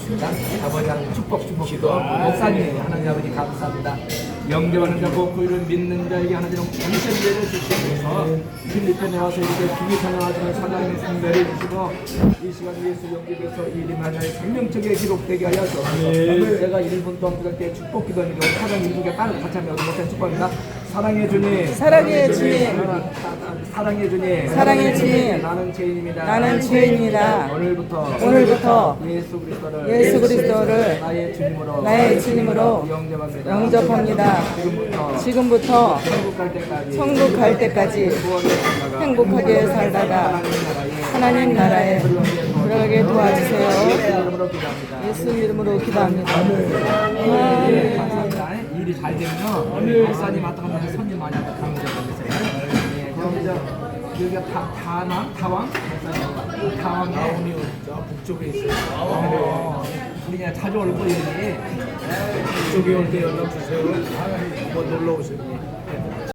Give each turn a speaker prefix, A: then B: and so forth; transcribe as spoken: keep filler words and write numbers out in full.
A: 드리겠습니다. 아버지랑 축복 축복기도 목사님 하나님 아버지 감사합니다. 영접하는 자 복구 이를 믿는 자에게 하나님 전체를 주시면서 필리핀에 와서 이렇게 기기선언하시는 사장님 성배를 주시고 이 시간 예수 영접해서 이 일 만나의 생명책에 기록되게 하여 주옵소서. 제가 일 분 동안 부를 때 축복 기도하는 경우 사장 일국에 딸을 같이 하며 못한 축복합니다. 사랑해 주님,
B: 사랑해 주님,
A: 사랑해 주님,
B: 사랑해 주님,
A: 나는 죄인입니다.
B: 나는 죄인입니다.
A: 오늘부터
B: 오늘부터
A: 예수 그리스도를
B: 예수 그리스도를
A: 나의 주님으로
B: 나의 주님으로
A: 영접합니다.
B: 영접합니다.
A: 지금부터
B: 지금부터
A: 천국 갈 때까지
B: 천국 갈 때까지 행복하게 살다가 하나님 나라에 들어가게 도와주세요.
A: 이름으로 기도합니다.
B: 예수 이름으로 기도합니다.
A: 네, 감사합니다. 일이 잘 되면요 목사님 왔다 갔다 하면 손님 많이 왔다 강의를 받으세요. 네, 그럼 이제 여기가 다, 다낭? 타왕? 목사님 타왕
C: 다운이 저 북쪽에 있어요.
A: 어, 우리 그냥 자주 올 거예요.
C: 북쪽에 올 때 연락 주세요. 한번 놀러 오세요.